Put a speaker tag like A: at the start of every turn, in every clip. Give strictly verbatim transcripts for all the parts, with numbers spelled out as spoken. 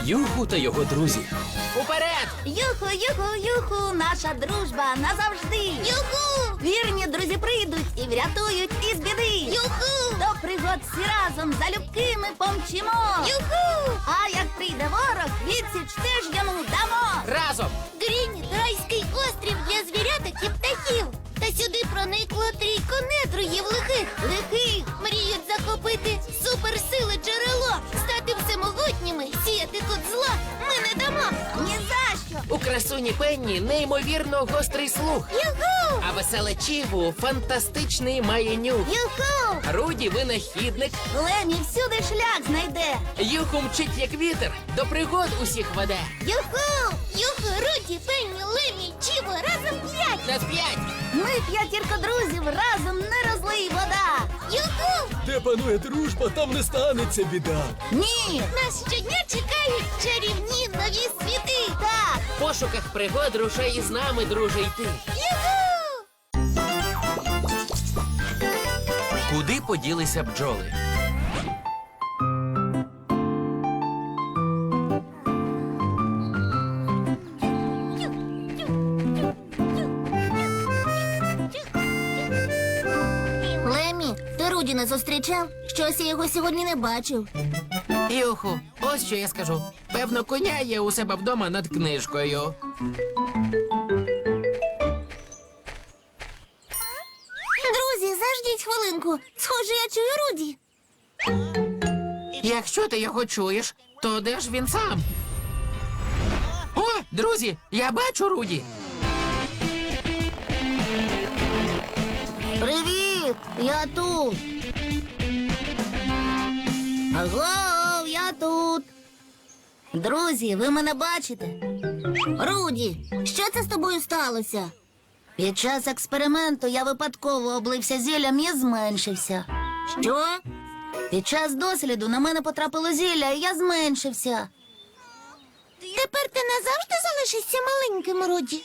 A: Юху та його друзі.
B: Уперед!
C: Юху, юху, юху, наша дружба назавжди. Юху! Вірні друзі прийдуть і врятують із біди. Юху! До пригод всі разом залюбки ми помчимо. Юху! А як прийде ворог, відсіч теж йому дамо.
B: Разом!
D: Грініт – райський острів для звіряток і птахів. Та сюди проникло трійко недругів лихих.
C: Лихих!
D: Мріють захопити суперсили джерело, стати всемогутніми, сіяти тут зла ми не дамо.
C: Ні за що!
B: У красуні Пенні неймовірно гострий слух.
D: Юху!
B: А веселе Чіву фантастичний має нюх.
C: Юху!
B: Руді винахідник.
C: Лемі всюди шлях знайде.
B: Юху мчить як вітер, до пригод усіх веде.
C: Юху!
D: Юху, Руді, Пенні, Лемі, Чіво, разом п'ять!
B: На п'ять!
C: Ми п'ятірка друзів, разом не розлий вода.
D: Юху!
A: Де панує дружба, там не станеться біда.
C: Ні!
D: Нас щодня чекають чарівні нові світи!
C: Так!
B: В пошуках пригод рушай із нами, друже, йти.
D: Юху!
B: Куди поділися бджоли?
D: Лемі, ти Руді не зустрічав? Щось я його сьогодні не бачив.
B: Юху, ось що я скажу. Певно, коня є у себе вдома над книжкою.
D: Друзі, заждіть хвилинку. Схоже, я чую Руді.
B: Якщо ти його чуєш, то де ж він сам? О, друзі, я бачу Руді.
C: Привіт! Я тут! Аго, я тут! Друзі, ви мене бачите? Руді, що це з тобою сталося? Під час експерименту я випадково облився зіллям і зменшився. Що? Під час досліду на мене потрапило зілля, і я зменшився.
D: Тепер ти назавжди залишишся маленьким, Руді.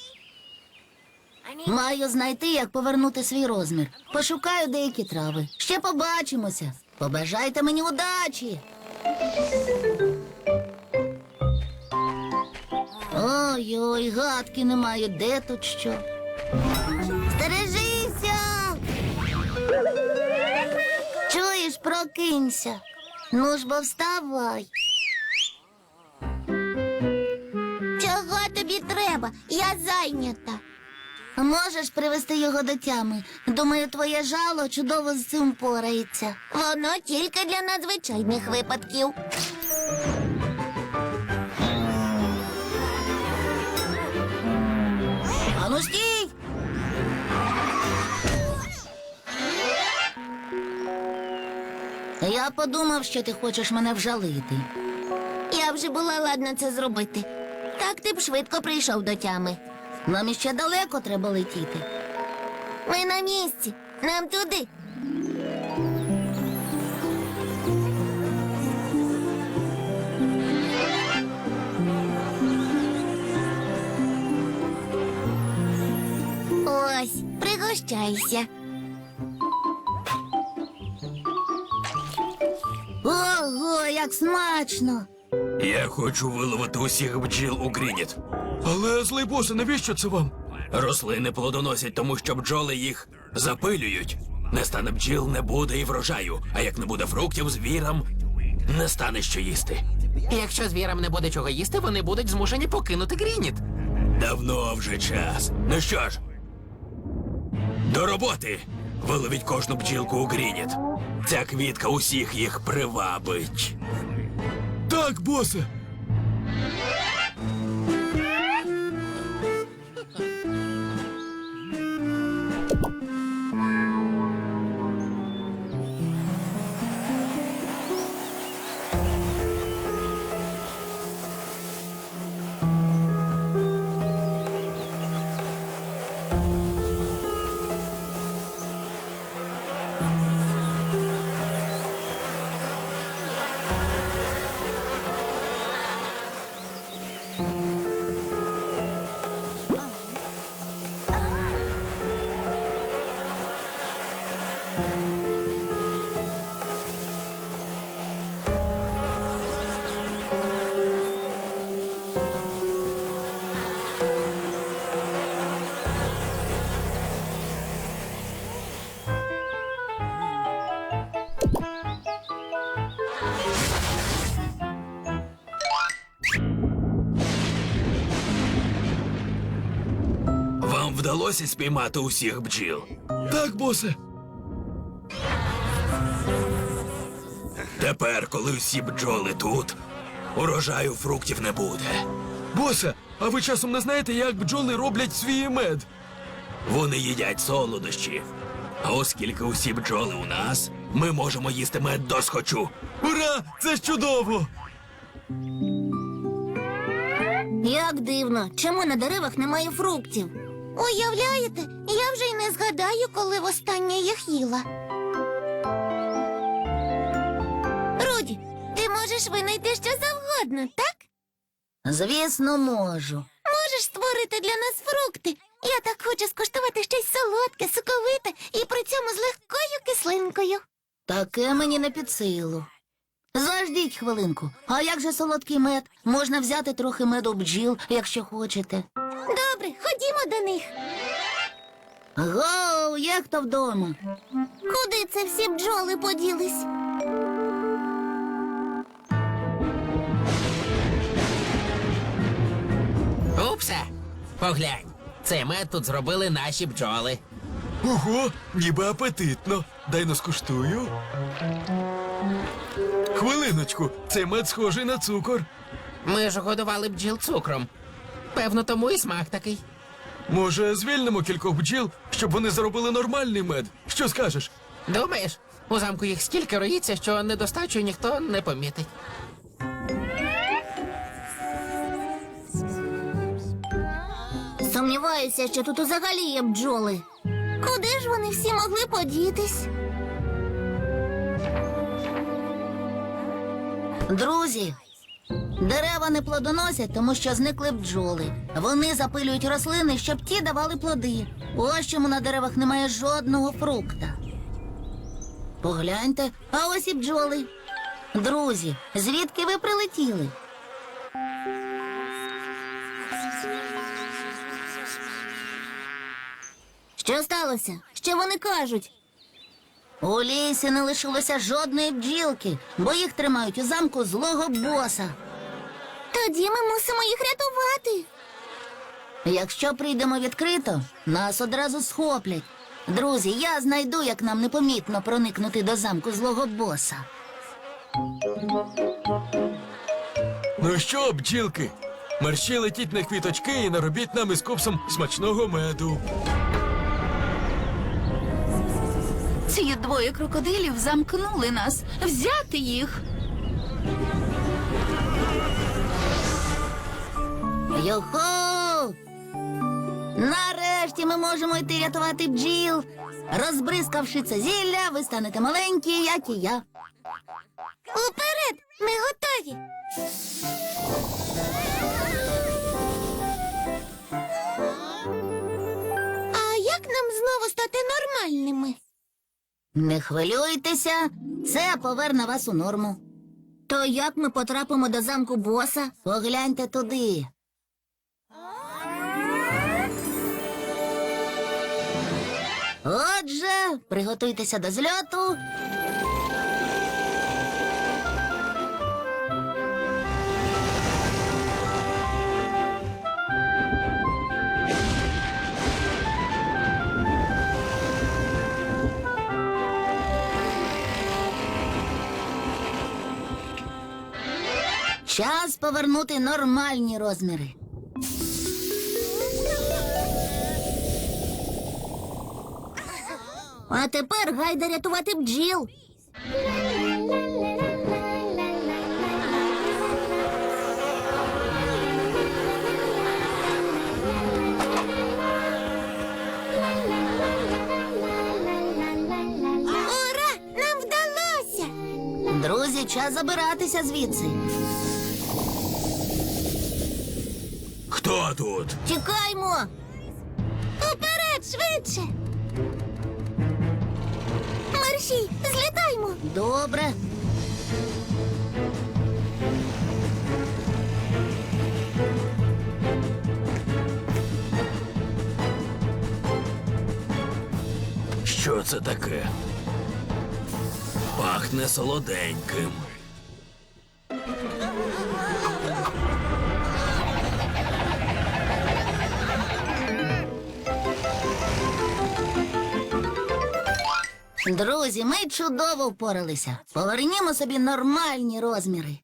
C: Маю знайти, як повернути свій розмір. Пошукаю деякі трави. Ще побачимося. Побажайте мені удачі. Ой-ой, гадки немає, де тут що. Стережися! Чуєш, прокинься. Ну ж бо вставай.
D: Чого тобі треба? Я зайнята.
C: Можеш привести його до тями. Думаю, твоє жало чудово з цим порається.
D: Воно тільки для надзвичайних випадків.
C: Ану стій! Я подумав, що ти хочеш мене вжалити.
D: Я вже була ладна це зробити. Так ти б швидко прийшов до тями.
C: Нам іще далеко треба летіти.
D: Ми на місці. Нам туди. Ось, пригощайся.
C: Ого, як смачно!
A: Я хочу виловити усіх бджіл у Грініт. Але, злий босе, навіщо це вам? Рослини плодоносять, тому що бджоли їх запилюють. Не стане бджіл, не буде і врожаю. А як не буде фруктів, звірам не стане що їсти.
B: Якщо звірам не буде чого їсти, вони будуть змушені покинути Грініт.
A: Давно вже час. Ну що ж, до роботи! Виловіть кожну бджілку у Грініт. Ця квітка усіх їх привабить. Так, босе. вдалося спіймати усіх бджіл?
E: Так, босе.
A: Тепер, коли всі бджоли тут, урожаю фруктів не буде.
E: Босе, а ви часом не знаєте, як бджоли роблять свій мед?
A: Вони їдять солодощі. А оскільки усі бджоли у нас, ми можемо їсти мед досхочу.
E: Ура! Це ж чудово!
C: Як дивно, чому на деревах немає фруктів?
D: Уявляєте, я вже й не згадаю, коли востаннє їх їла. Руді, ти можеш винайти що завгодно, так?
C: Звісно, можу.
D: Можеш створити для нас фрукти. Я так хочу скуштувати щось солодке, соковите і при цьому з легкою кислинкою.
C: Таке мені не під силу. Заждіть хвилинку. А як же солодкий мед? Можна взяти трохи меду бджіл, якщо хочете.
D: Добре, ходімо до них.
C: Гоу, є хто вдома?
D: Куди це всі бджоли поділись?
B: Упсе! Поглянь, цей мед тут зробили наші бджоли.
E: Ого, ніби апетитно. Дай но скуштую. Хвилиночку, цей мед схожий на цукор.
B: Ми ж годували бджіл цукром. Певно, тому і смак такий.
E: Може, звільнимо кількох бджіл, щоб вони заробили нормальний мед? Що скажеш?
B: Думаєш, у замку їх стільки роїться, що недостачу ніхто не помітить.
C: Сумніваюся, що тут взагалі є бджоли.
D: Куди ж вони всі могли подітись?
C: Друзі, дерева не плодоносять, тому що зникли бджоли. Вони запилюють рослини, щоб ті давали плоди. Ось чому на деревах немає жодного фрукта. Погляньте, а ось і бджоли. Друзі, звідки ви прилетіли? Що сталося? Що вони кажуть? У лісі не лишилося жодної бджілки, бо їх тримають у замку злого боса.
D: Тоді ми мусимо їх рятувати.
C: Якщо прийдемо відкрито, нас одразу схоплять. Друзі, я знайду, як нам непомітно проникнути до замку злого боса.
E: Ну що, бджілки? Мерщій летіть на квіточки і наробіть нам із копсом смачного меду.
F: Ці двоє крокодилів замкнули нас. Взяти їх.
C: Йохо! Нарешті ми можемо йти рятувати бджіл. Розбризкавши це зілля, ви станете маленькі, як і я.
D: Уперед! Ми готові! А як нам знову стати нормальними?
C: Не хвилюйтеся, це поверне вас у норму. То як ми потрапимо до замку боса? Погляньте туди. Отже, приготуйтеся до зльоту. Час повернути нормальні розміри. А тепер гайда рятувати бджіл.
D: Ура! Нам вдалося!
C: Друзі, час забиратися звідси.
A: Хто тут?
C: Тікаймо!
D: Уперед, швидше! Мерщій, злітаймо!
C: Добре.
A: Що це таке? Пахне солоденьким.
C: Друзі, ми чудово впоралися. Повернімо собі нормальні розміри.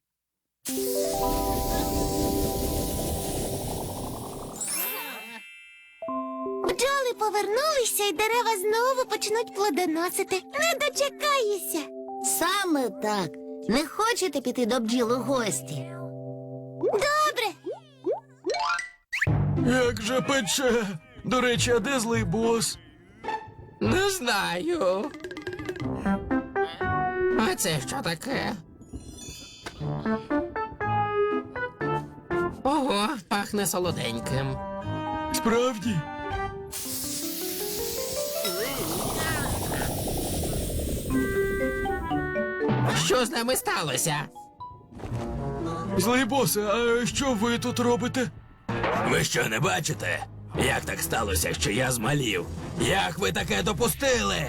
D: Бджоли повернулися, і дерева знову почнуть плодоносити. Не дочекаюся.
C: Саме так. Не хочете піти до бджіл у гості?
D: Добре.
E: Як же пече. До речі, а де злий бос?
B: Не знаю. А це що таке? Ого, пахне солоденьким.
E: Справді?
B: Що з нами сталося?
E: Злий босе, а що ви тут робите?
A: Ви що, не бачите? Як так сталося, що я змалів? Як ви таке допустили?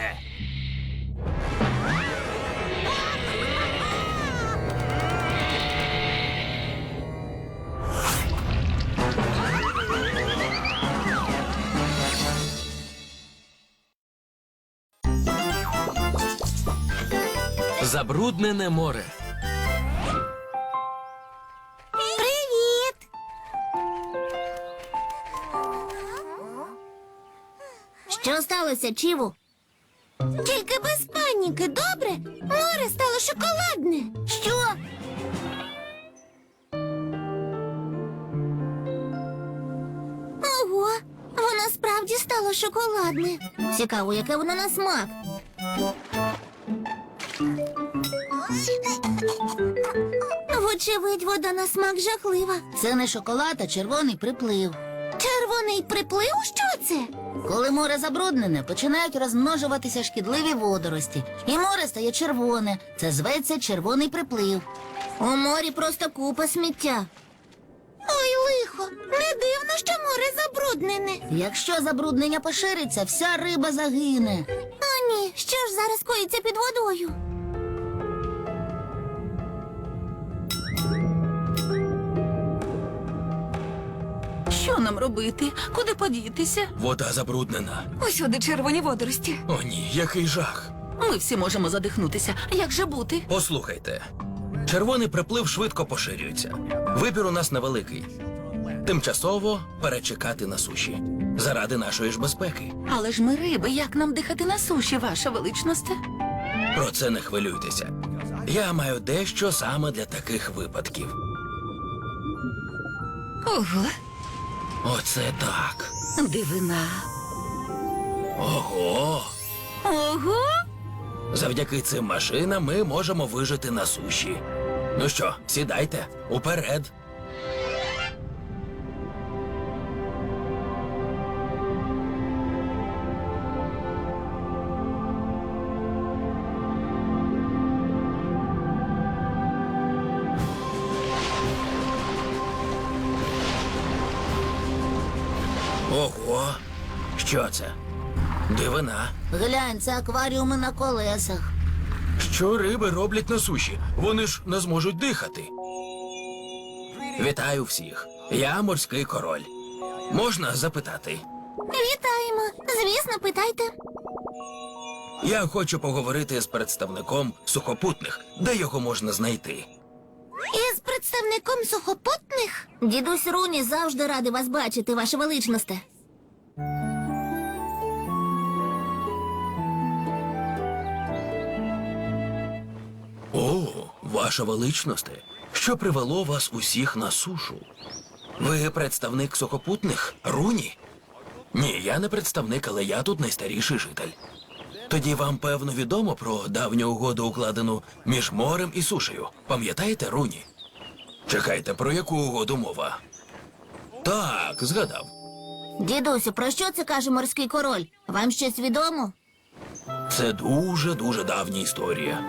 E: Забруднене море.
D: Привіт.
C: Що сталося, Чіву?
D: Тільки без паніки, добре? Море стало шоколадне.
C: Що?
D: Ого, воно справді стало шоколадне.
C: Цікаво, яке воно на смак.
D: Вочевидь, вода на смак жахлива.
C: Це не шоколад, а червоний приплив.
D: Червоний приплив? Що це?
C: Коли море забруднене, починають розмножуватися шкідливі водорості. І море стає червоне. Це зветься червоний приплив. У морі просто купа сміття.
D: Ой, лихо, не дивно, що море забруднене.
C: Якщо забруднення пошириться, вся риба загине.
D: О, ні, що ж зараз коїться під водою?
F: Що нам робити? Куди подітися?
A: Вода забруднена.
F: Усюди червоні водорості.
A: О ні, який жах.
F: Ми всі можемо задихнутися. Як же бути?
G: Послухайте, червоний приплив швидко поширюється. Вибір у нас невеликий. Тимчасово перечекати на суші. Заради нашої ж безпеки.
F: Але ж ми риби, як нам дихати на суші, ваша величносте?
G: Про це не хвилюйтеся. Я маю дещо саме для таких випадків.
F: Ого,
G: Оце так.
F: дивина.
G: Ого!
F: Ого!
G: Завдяки цим машинам ми можемо вижити на суші. Ну що, сідайте, уперед. Ого! Що це? Дивина.
C: Глянь, це акваріуми на колесах.
G: Що риби роблять на суші? Вони ж не зможуть дихати. Вітаю всіх. Я морський король. Можна запитати?
D: Вітаємо. Звісно, питайте.
G: Я хочу поговорити з представником сухопутних. Де його можна знайти?
D: Із представником сухопутних?
C: Дідусь Руні завжди радий вас бачити, ваше величносте.
G: О, ваша величносте. Що привело вас усіх на сушу? Ви представник сухопутних? Руні? Ні, я не представник, але я тут найстаріший житель. Тоді вам, певно, відомо про давню угоду, укладену між морем і сушею. Пам'ятаєте, Руні? Чекайте, про яку угоду мова? Так, згадав.
C: Дідусю, про що це каже морський король? Вам щось відомо?
G: Це дуже-дуже давня історія.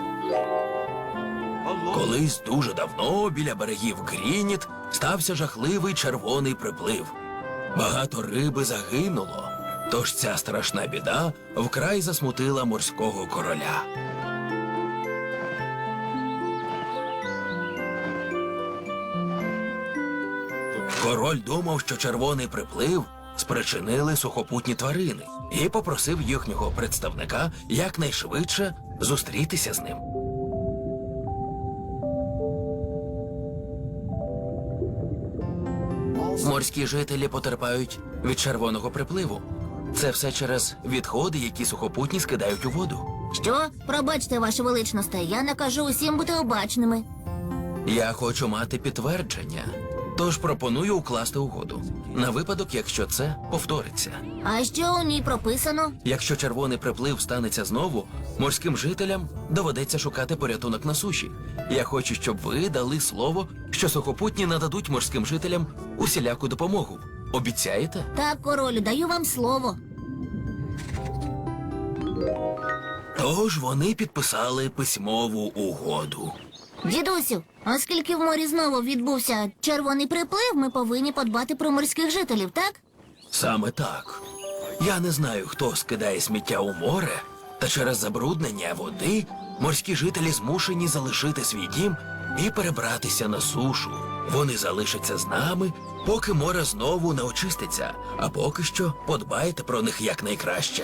G: Колись дуже давно біля берегів Грініт стався жахливий червоний приплив. Багато риби загинуло, тож ця страшна біда вкрай засмутила морського короля. Король думав, що червоний приплив спричинили сухопутні тварини і попросив їхнього представника якнайшвидше зустрітися з ним. Морські жителі потерпають від червоного припливу. Це все через відходи, які сухопутні скидають у воду.
C: Що? Пробачте, ваше величносте, я накажу усім бути обачними.
G: Я хочу мати підтвердження, тож пропоную укласти угоду. На випадок, якщо це повториться.
C: А що у ній прописано?
G: Якщо червоний приплив станеться знову, морським жителям доведеться шукати порятунок на суші. Я хочу, щоб ви дали слово, що сухопутні нададуть морським жителям усіляку допомогу. Обіцяєте?
C: Так, королю, даю вам слово.
G: Тож вони підписали письмову угоду.
C: Дідусю, оскільки в морі знову відбувся червоний приплив, ми повинні подбати про морських жителів, так?
G: Саме так. Я не знаю, хто скидає сміття у море, та через забруднення води морські жителі змушені залишити свій дім і перебратися на сушу. Вони залишаться з нами, поки море знову не очиститься, а поки що подбайте про них якнайкраще.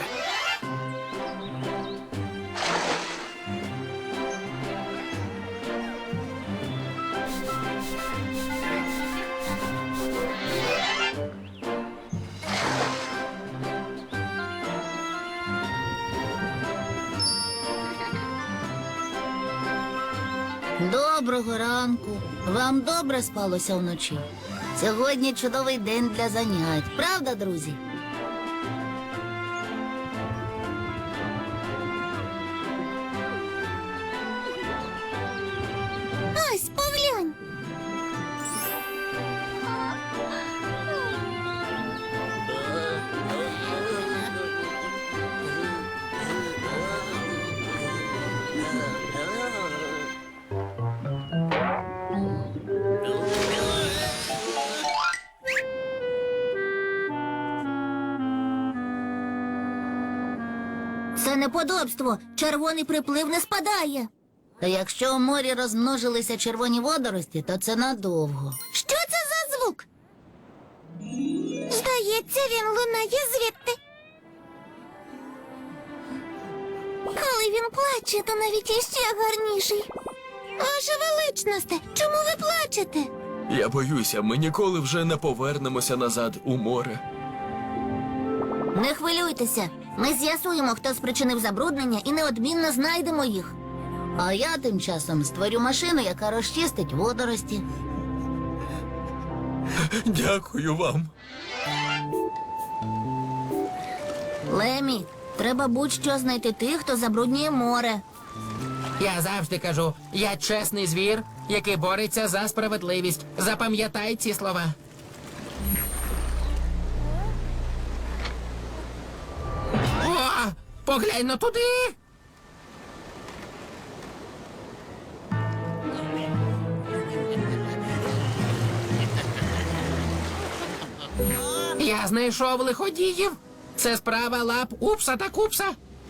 C: Доброго ранку. Вам добре спалося вночі? Сьогодні чудовий день для занять. Правда, друзі?
D: Ось, поглянь.
C: Це неподобство. Червоний приплив не спадає. Та якщо у морі розмножилися червоні водорості, то це надовго.
D: Що це за звук? Здається, він лунає звідти. Коли він плаче, то навіть іще гарніший. Ваше величносте, чому ви плачете?
E: Я боюся, ми ніколи вже не повернемося назад у море.
C: Не хвилюйтеся. Ми з'ясуємо, хто спричинив забруднення, і неодмінно знайдемо їх. А я тим часом створю машину, яка розчистить водорості.
E: Дякую вам.
C: Лемі, треба будь-що знайти тих, хто забруднює море.
B: Я завжди кажу, я чесний звір, який бореться за справедливість. Запам'ятай ці слова. О, поглянь но туди. Я знайшов лиходіїв. Це справа лап Упса та Купса.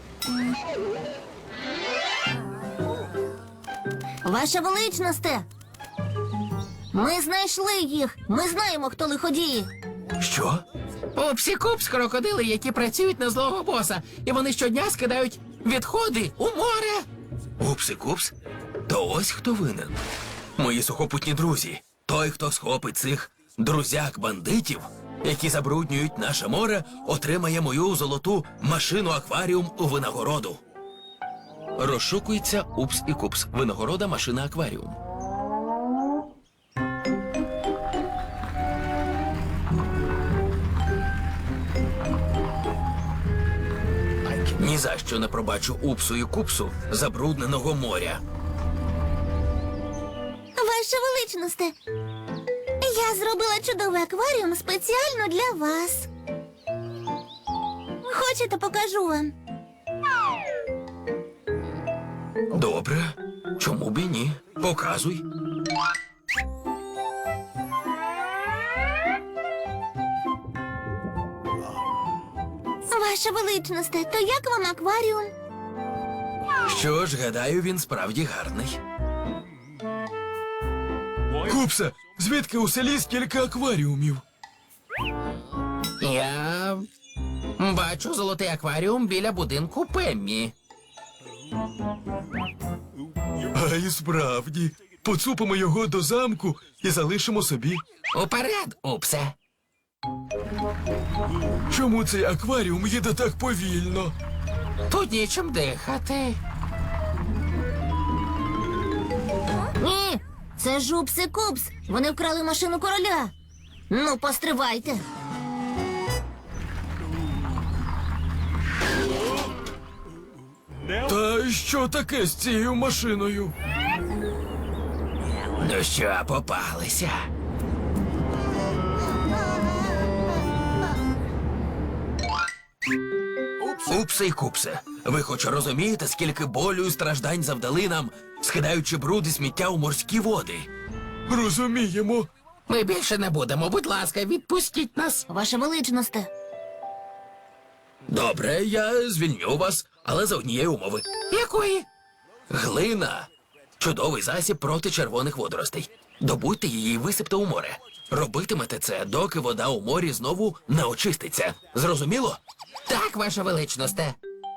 C: Ваша величносте! Ми знайшли їх. Ми знаємо, хто лиходії.
G: Що?
B: Упсі Купс — крокодили, які працюють на злого боса. І вони щодня скидають відходи у море.
G: Упси-купс? То ось хто винен. Мої сухопутні друзі. Той, хто схопить цих друзяк-бандитів, які забруднюють наше море, отримає мою золоту машину-акваріум у винагороду. Розшукується Упс і Купс. Винагорода машина-акваріум. Ні за що не пробачу Упсу і Купсу забрудненого моря.
D: Ваше величносте, я зробила чудовий акваріум спеціально для вас. Хочете, покажу вам?
G: Добре. Чому б і ні? Показуй.
D: Ваше величносте, то як вам акваріум?
G: Що ж, гадаю, він справді гарний.
E: Купсе, звідки у селі стільки акваріумів?
B: Я бачу золотий акваріум біля будинку Пеммі.
E: А і справді, поцупимо його до замку і залишимо собі.
B: Уперед, Упсе.
E: Чому цей акваріум їде так повільно?
B: Тут нічим дихати.
C: Ні, це ж Упс і Купс. Вони вкрали машину короля. Ну, постривайте.
E: Та що таке з цією машиною?
B: Ну що, попалися?
G: Упсе і купсе, ви хоч розумієте, скільки болю і страждань завдали нам, скидаючи бруд і сміття у морські води?
E: Розуміємо.
B: Ми більше не будемо. Будь ласка, відпустіть нас.
C: Ваша величносте.
G: Добре, я звільню вас, але за однієї умови.
B: Якої?
G: Глина – чудовий засіб проти червоних водоростей. Добудьте її і висипте у море. Робитимете це, доки вода у морі знову не очиститься. Зрозуміло?
B: Так, ваша величносте.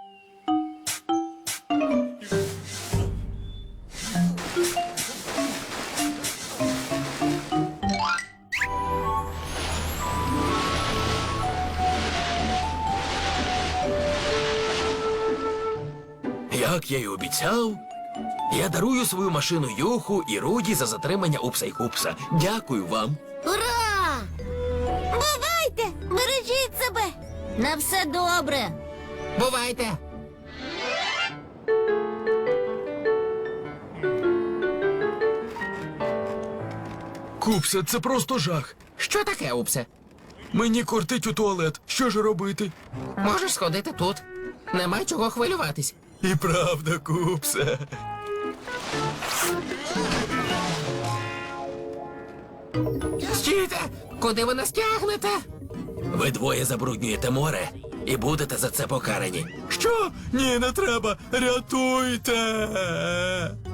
G: Як я й обіцяв, я дарую свою машину Юху і Руді за затримання Упса й Купса. Дякую вам.
C: Ура!
D: Бувайте! Бережіть себе!
C: На все добре.
B: Бувайте.
E: Купсе, це просто жах.
B: Що таке, Упсе?
E: Мені кортить у туалет. Що ж робити?
B: Можеш сходити тут. Нема чого хвилюватись.
E: І правда, Купсе.
B: Стійте! Куди ви нас тягнете?
G: Ви двоє забруднюєте море і будете за це покарані.
E: Що? Ні, не треба. Рятуйте.